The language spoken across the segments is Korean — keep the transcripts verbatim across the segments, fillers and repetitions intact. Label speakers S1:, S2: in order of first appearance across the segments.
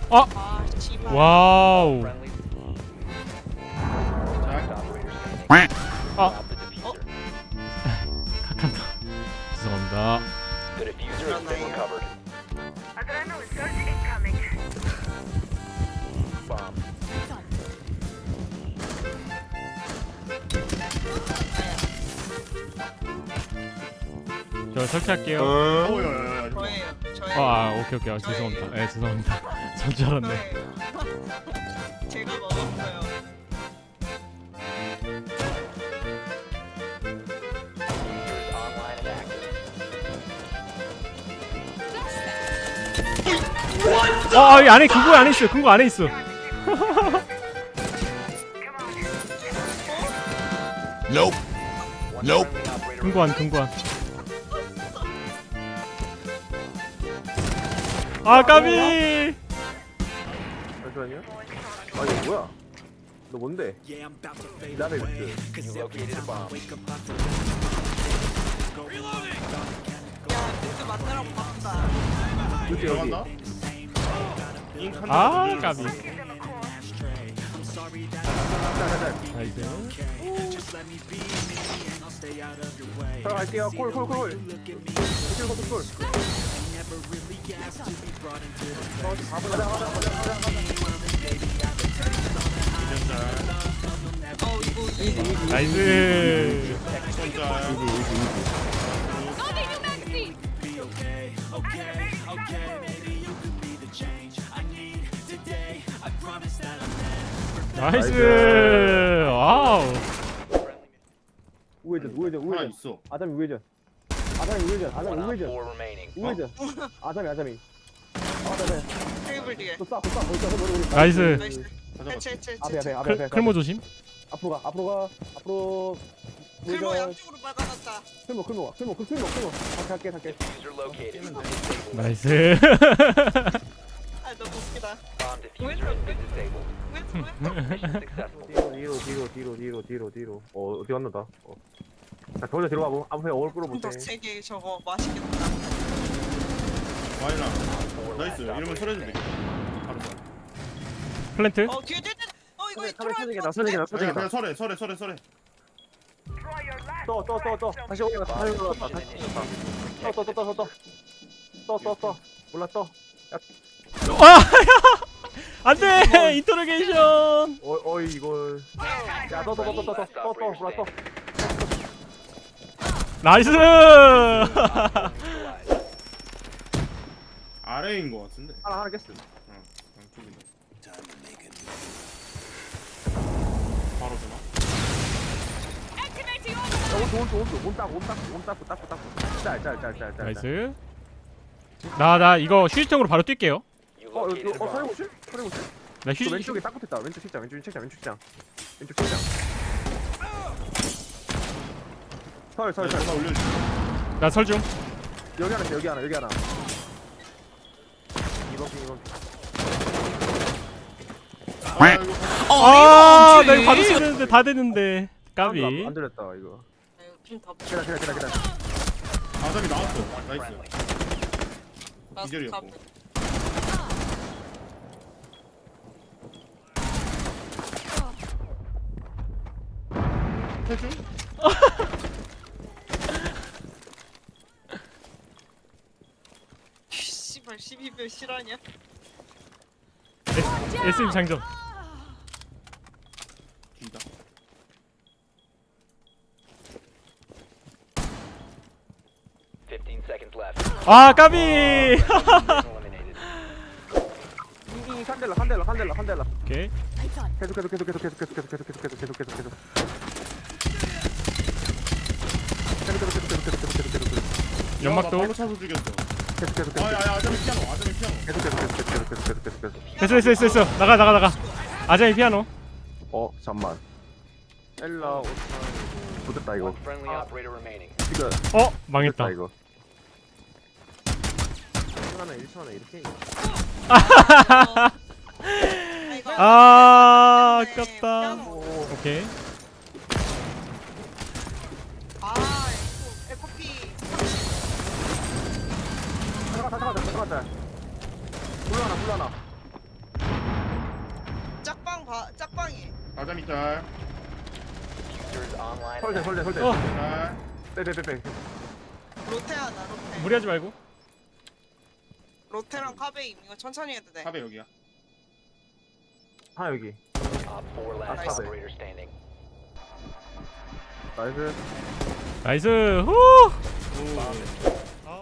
S1: 아!
S2: 아 씨발.
S1: 와우. 아. 각한다. 죄송합니다. 저 설치할게요.
S3: 어야야야.
S2: 저예요. 저예요.
S1: 아, 아 오케이 오케이. 아, 죄송합니다. 예, 네, 죄송합니다. 전 줄 알았네.
S2: 저예요. 제가 먹었어요.
S1: 어, 아, 이 안에 금고 안에 있어. 금고 안에 있어.
S4: Nope. Nope.
S1: 금고 안, 금고 안. 아, 까비.
S3: 잠시만요. 아 이거 뭐야? 너 뭔데? 나를 그.
S2: 야 뮤즈 만나라고 봤다.
S3: 여기 여기.
S1: 아, 까비.
S3: 자자자.
S1: 나이스.
S3: 들어갈게요. 콜콜 콜. 콜 콜 콜. 어, 가보자 가자 가자 가자 가자.
S2: 어 이거 이거
S1: 나이스. 나이스. 와우.
S3: 우회전 우회전
S5: 하나
S3: 우회전.
S5: 있어.
S3: 아담이 우회전. 아담이 우회전. 아담이 우회전. 우회전. 아담이 아담이. 아담이.
S2: 테이블 뒤에.
S3: 또 쏴, 또 쏴, 또 쏴, 머리, 머리.
S1: 나이스.
S2: 나이스. 해체 해체
S3: 앞에
S2: 해체.
S3: 앞에 앞에
S1: 클,
S3: 앞에.
S1: 클모 조심.
S3: 앞으로 가 앞으로 가 앞으로.
S2: 글모
S3: 우회전.
S2: 양쪽으로 막아놨다.
S3: 클모 클모 클모 클모 클모. 갈게 갈게 갈게.
S1: 나이스.
S2: 아 너무 웃기다. 왜 저래? 왜 저래?
S3: 뒤로 뒤로 뒤로 뒤로 뒤로 뒤로. 어 어디 갔나다. 어. 자 저기서 뒤로 가고 앞에 어글 끌어볼게.
S2: 세개 저거 맛있겠다.
S5: 와이나. 나이스. 이러면 설해도 되겠다. 바로 설.
S1: 플랜트.
S2: 어 뒤에 뒤에 뒤에. 어 이거
S3: 카메라
S2: 들어갈
S3: 쳐지겠다
S2: 것
S3: 쳐지겠다
S2: 같은데?
S5: 그냥
S3: 쳐지겠다.
S5: 그냥 설해 설해 설해 설해.
S3: 떠떠떠떠 다시 올라갔다 다시 올라갔다 다시 올라갔다. 떠떠떠떠떠떠떠떠떠 몰라 떠.
S1: 와, 야. 안돼. 인터로게이션.
S3: 어 어이 이걸. 야떠떠떠떠떠떠떠떠 몰라 떠.
S1: 나이스.
S5: 아래인 거 같은데.
S3: 하나 하나 깼어.
S5: 응. 양쪽이다. 바로 되나?
S3: 온온온온온온딱온딱온딱 딱 딱. 짤짤짤짤짤.
S1: 나이스. 나 나 이거 휴지통으로 바로 뛸게요.
S3: 어 여기 어 서리고실? 서리고실?
S1: 나
S3: 저
S1: 휴지.
S3: 왼쪽에 딱 붙었다. 왼쪽 책장 왼쪽 책장 왼쪽 책장. 왼쪽 책장. 설설 설.
S5: 하나 올려줘.
S1: 나 설중.
S3: 여기 하나 있어, 여기 하나 여기 하나. 이번 핑 이번 핑.
S5: 아 이거
S1: 아, 나 이거 바로 쓰는데 다 되는데. 까비.
S3: 안, 안 들렸다 이거.
S2: 핀더
S3: 기다 기다 기다 기다.
S5: 아담이 나왔어. 나이스. 기절이었고. 해줘?
S2: 씨발 십이 별 실화냐?
S1: 에스엠 장전.
S5: 기다.
S1: 아, 까비.
S3: 잉잉 산델라 산델라 산델라 산델라.
S1: 오케이.
S3: 계속 계속 계속 계속 계속 계속 계속 계속 계속 계속 계속 계속 계속. 계속 계속 계속 계속 계속 계속 계속 계속.
S1: 연막도.
S5: 발로 차서 죽였어.
S3: 계속 계속 계속.
S5: 아야야 아담이 피아노. 아담이 피아노.
S3: 계속 계속 계속 계속 계속 계속 계속 계속.
S1: 됐어 됐어 됐어 됐어. 나가 나가 나가. 아자이 피아노.
S3: 어 잠만. 엘라 오타. 못했다 이거. 지금
S1: 어, 망했다.
S3: 됐다 이거. 일 하나 일 초 하나 이렇게.
S1: 아, 아깝다.
S3: 오.
S1: 오케이.
S2: 아 에코피
S3: 잠깐 잠깐 잠깐 잠깐. 불러나 불러나.
S5: 아잠이 짤.
S3: 설대 설대 설대.
S1: 어.
S5: 짤.
S3: 빼빼빼빼.
S2: 로테하나 로테.
S1: 무리하지 말고.
S2: 로테랑 카베임 이거 천천히 해도 돼.
S5: 탑에 여기야.
S3: 하나 여기.
S2: 나이스.
S3: 나이스.
S1: 나이스. 후.
S5: 오.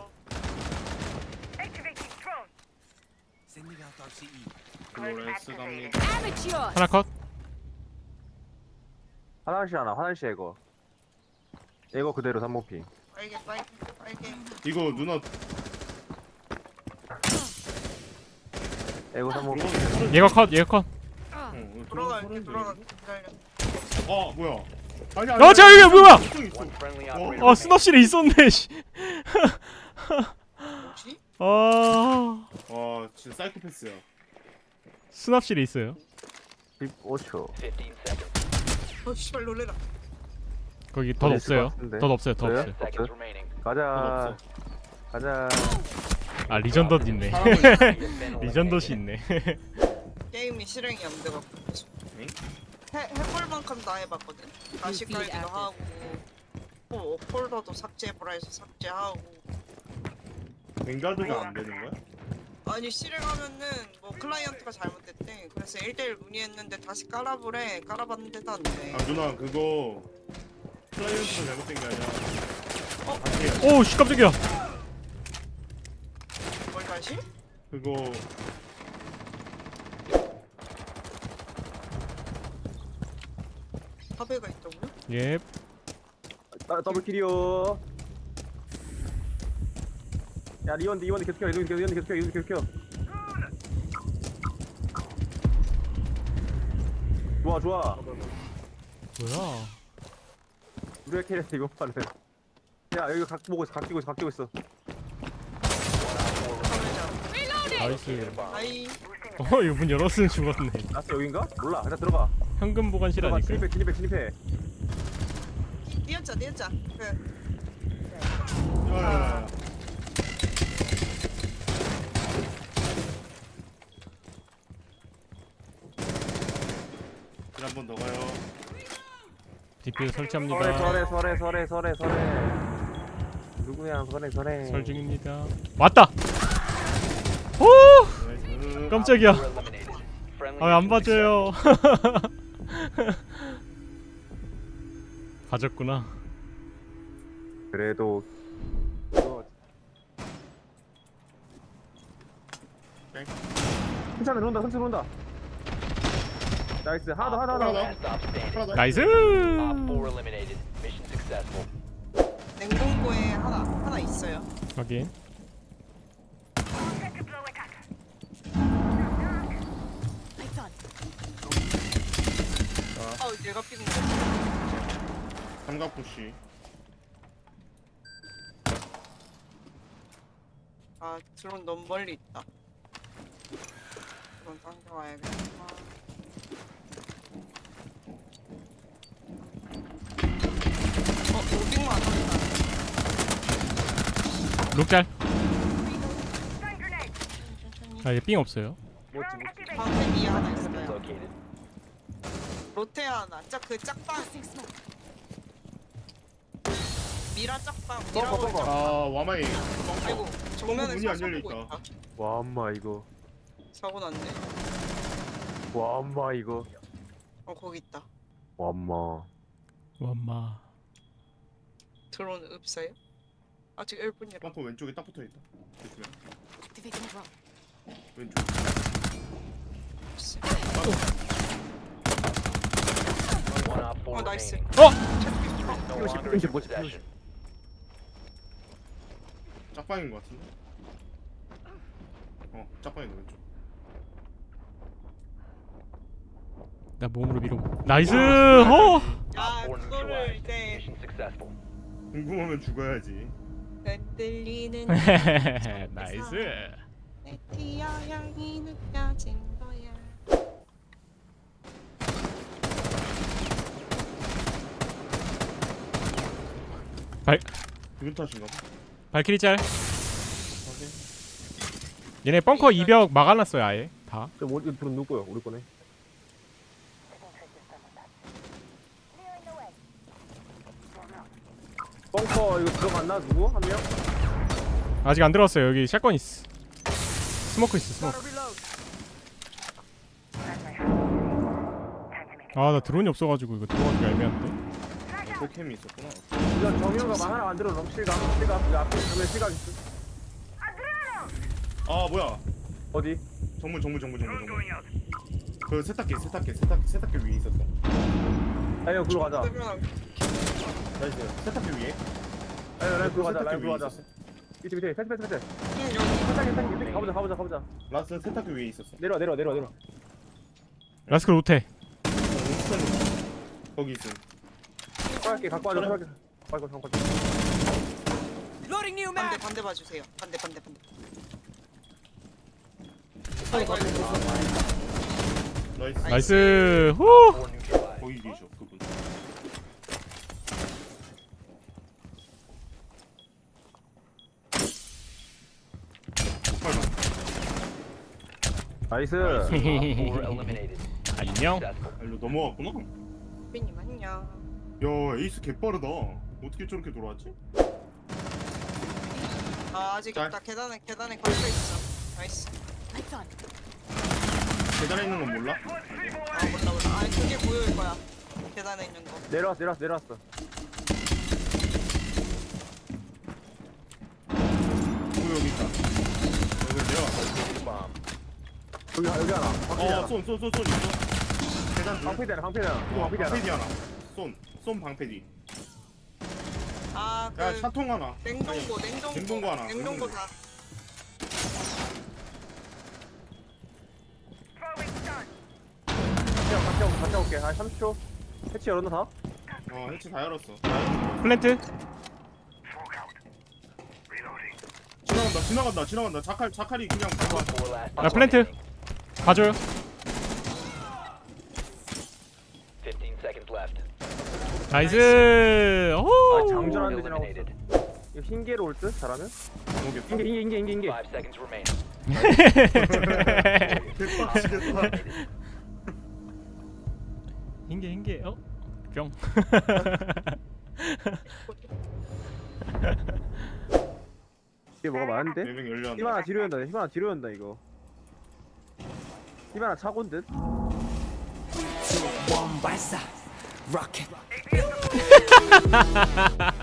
S5: 플로레스 갑니다.
S1: 하나 컷.
S3: 화장실 하나 화장실 이거. 이거 그대로 삼목피.
S2: 빨개 빨개 빨개.
S5: 이거 누나
S3: 이거 삼목피.
S1: 얘가 컷. 얘가 컷.
S5: 어,
S2: 돌아갈게 돌아가. 기다려.
S5: 어 뭐야? 아니
S1: 야, 저 이게 뭐야?
S5: 있어.
S1: 아, 스납실에 있었네. 씨.
S2: 뭐지?
S1: 아,
S5: 와 진짜 사이코패스야.
S1: 수납실에 있어요.
S3: 십오 초.
S2: 어 씨발 놀래라.
S1: 거기 덧
S3: 어디 있을
S1: 없어요.
S3: 것 같은데.
S1: 덧 없어요. 덧
S3: 그래요?
S1: 없어요.
S3: 없어요? 가자. 가자.
S1: 아, 리전 덧 있네.
S5: 사람을
S1: 리전 덧이 있네.
S2: 게임이 실행이 안 돼갖고
S5: 응?
S2: 해 해볼 만큼 다 해봤거든. 다시 깔기도 하고, 뭐 폴더도 삭제해보라 해서 삭제하고.
S5: 뱅가드가 안 되는 거야?
S2: 아니 실행하면은 뭐 클라이언트가 잘못됐대. 그래서 일 대일 문의했는데 다시 깔아보래. 깔아봤는데도 안 돼.
S5: 아 누나 그거 클라이언트가 잘못된 게 아니라
S2: 어?
S5: 다시 해야
S1: 오, 씨, 깜짝이야.
S2: 뭘 다시?
S5: 그거
S2: 카베가 있다고요?
S1: 예.
S3: 아, 더블킬이요. 야 리원드 리원드 계속해 리원드 리원드 계속해 리원드 계속해. 좋아 좋아.
S1: 뭐야?
S3: 우리가 캐리했어 이거 파는. 야 여기 각 보고 있어 각 끼고 있어 각 끼고 있어.
S1: 나이스.
S2: 아이
S1: 어, 이거 문 열었으면 죽었네.
S3: 나스 여긴가? 몰라. 그냥 들어가.
S1: 현금 보관실
S3: 들어가.
S1: 아닐까?
S3: 진입해 진입해 진입해.
S2: 띄었자 띄었자. 그
S5: 야야야 한번 더 가요.
S1: 디피유
S3: 설에
S1: 설치합니다.
S3: 설에 설에 설에 설에 설에. 누구야 설에 설에.
S1: 설 중입니다. 왔다. 오,
S5: 나이스.
S1: 깜짝이야. 아, 안 봐줘요. 가졌구나.
S3: 그래도. 괜찮아 들어온다 선수 들어온다. 나이스 하나 더 하나 더 하나 더.
S5: 하나 더.
S1: 나이스.
S2: 냉동고에 하나 하나 있어요.
S1: 확인.
S2: 아 내가 삐는 거.
S5: 삼각 푸시.
S2: 아 드론 너무 멀리 있다. 드론 당겨와야겠다. 어 로딩만 안 한다.
S1: 룩잘.
S2: 천천히.
S1: 아, 얘 삥 없어요.
S2: 방패 위에 하나 있어요. 로테 하나. 짝그 짝방. 미라 짝방. 미라
S3: 뻥커,
S2: 올
S3: 뻥커.
S2: 짝방.
S5: 아 와마이.
S2: 아이고 정면에
S5: 문이 안
S2: 서서
S5: 열려
S2: 보고
S5: 있다.
S2: 있다.
S3: 와 엄마 이거.
S2: 사고 났네.
S3: 와 엄마 이거.
S2: 어 거기 있다.
S3: 와 엄마.
S1: 엄마.
S2: 드론 없어요? 아직 일 분이라.
S5: 벙커 왼쪽에 딱 붙어 있다. 조심해. 왼쪽.
S2: 어 나이스.
S1: 어,
S3: 이게 뭐지?
S5: 짝방인 것 같은데. 어 짝방인데 왼쪽.
S1: 나 몸으로 밀어. 나이스. 어.
S2: 야 그거를 이제
S5: 궁금하면 죽어야지.
S2: 흔들리는
S1: 나이스.
S2: 내 티어향이 느껴진 거야.
S1: 발
S5: 기분 탓인가 봐.
S1: 발키리 짤.
S5: 확인.
S1: 얘네 벙커 이벽 막아놨어요 아예 다.
S3: 저 뭐, 이거 들은 누구야? 우리 거네. 벙커 이거 들어갔나 누구 한 명?
S1: 아직 안 들어왔어요. 여기 샷건 있어. 스모크 있어. 스모크. 아 나 드론이 없어가지고 이거 들어가기가 애매한데.
S5: 포캠이 있었구나.
S3: 이거 정유가 하나 만들어 놓은 실각 실각 그 앞에 정면 실각 있어.
S5: 아 뭐야?
S3: 어디?
S5: 정문 정문 정문 정문 정문. 그 세탁기 세탁기 세탁기 세탁기 위에 있었어.
S3: 아니 글로 가자.
S2: 그러면
S5: 나이스. 세탁기 위에.
S3: 아니 라인 글로 가자.
S5: 세탁기
S3: 라인 글로
S5: 위에
S3: 가자.
S5: 있었어.
S3: 밑에 밑에 패스 패스 패스.
S2: 응, 여기
S3: 세탁기 세탁기 밑에 가보자 가보자 가보자.
S5: 라스 세탁기 위에 있었어.
S3: 내려 내려 내려 내려.
S1: 라스크 로테.
S5: 거기 있음.
S3: 빨리 갖고 와줘. 빨리 빨리 갖고 와줘.
S2: 반대 반대 봐주세요. 반대 반대 반대.
S5: 나이스.
S1: 나이스. 후.
S5: 거기 계셔 그분.
S3: 나이스.
S1: 안녕.
S5: 아, 일로 넘어왔구나.
S2: 빈님 안녕.
S5: 야 에이스 개빠르다. 어떻게 저렇게 돌아왔지?
S2: 아 아직
S5: 잘.
S2: 있다. 계단에 계단에 걸려 있어. 나이스.
S5: 계단에 있는 건 몰라?
S2: 아 몰라 몰라. 아 그게 보여일 거야. 계단에 있는 거.
S3: 내려왔어 내려왔어 내려왔어.
S5: 어 여기 있다. 여기 내려와.
S3: 여기 여기 하나. 방패 하나.
S5: 어쏜쏜쏜쏜 있어. 계단 둘.
S3: 방패 하나 방패 하나. 이거
S5: 어,
S3: 방패 하나.
S5: 방패디 하나. 쏜. 쏜 방패디.
S2: 아그
S5: 야 차통 하나.
S2: 냉동고 냉동고
S5: 냉동고 하나.
S2: 냉동고 다.
S3: 같이 같이 올- 같이 올게. 한 삼십 초. 해치 열었나 다?
S5: 어 해치 다 열었어.
S1: 플랜트.
S5: 지나간다 지나간다 지나간다. 자칼 자칼이 그냥 봐.
S1: 야 플랜트. 봐줘요. 나이스.
S3: 아
S1: 오.
S3: 장전하는데 지나갔어. 이거 흰개로 올 듯? 잘하면?
S5: 모르겠다.
S3: 흰개 흰개 흰개 흰개 흰개.
S5: 개빡치겠다.
S1: 흰게 흰게. 어? 뿅.
S3: 이게 뭐가 많은데?
S5: 네명 열려.
S3: 힘 하나 뒤로 연다. 힘 하나 뒤로 연다 이거. 힘 하나 차고인 듯?
S6: bomb 발사 rocket